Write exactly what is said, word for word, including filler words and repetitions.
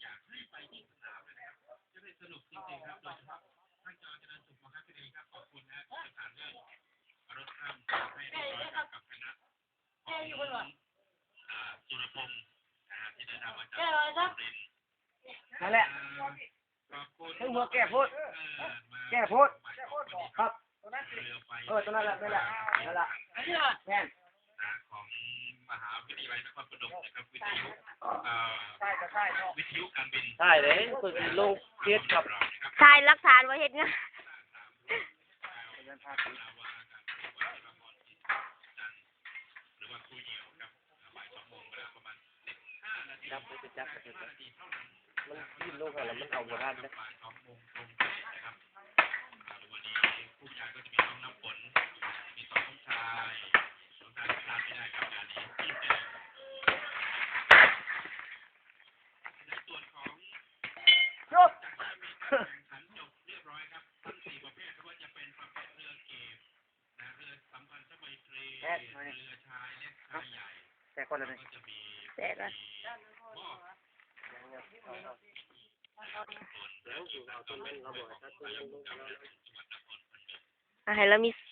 อยากให้ไปที่สนามเลยนะครับจะได้สนุกจริงๆครับโดยเฉพาะท่านจอเจริญสุขมหาวิทยาลัยครับขอบคุณนะที่ผ่านเรื่องรถข้ามให้เรียบร้อยกับคณะของสุรพงศ์นะครับที่เดินทางมาจากสุรินทร์นั่นแหละถึงหัวแก่พูดแก่พูดครับเออตรงนั้นแหละนั่นแหละนั่นแหละแม่นของมหาวิทยาลัยนครปฐมนะครับวิทยุวิทยุการบินใช่เลยคือลงเทียบกับชายรักฐานไว้เห็นไงหรือว่าครูเหี่ยวครับบ่ายสองโมงเวลาประมาณสิบห้านาทีจับไปจับไปนาทีเท่านั้นมันยื่นลงอะไรมันเอาโบราณนะบ่ายสองโมงตรงนะครับวันนี้ผู้ชายก็จะมีน้องน้ำฝนมีสองน้องชายน้องชายพลาดไม่ได้ครับงานนี้ในส่วนของจากที่มีการแข่งขันจบเรียบร้อยครับทั้งสี่ประเภทไม่ว่าจะเป็นประเภทเรือเก็บนะเรือสัมพันธไมตรีเรือชายเล็กชายใหญ่แต่คนละนี่ก็จะมีแต่ละให้เรามี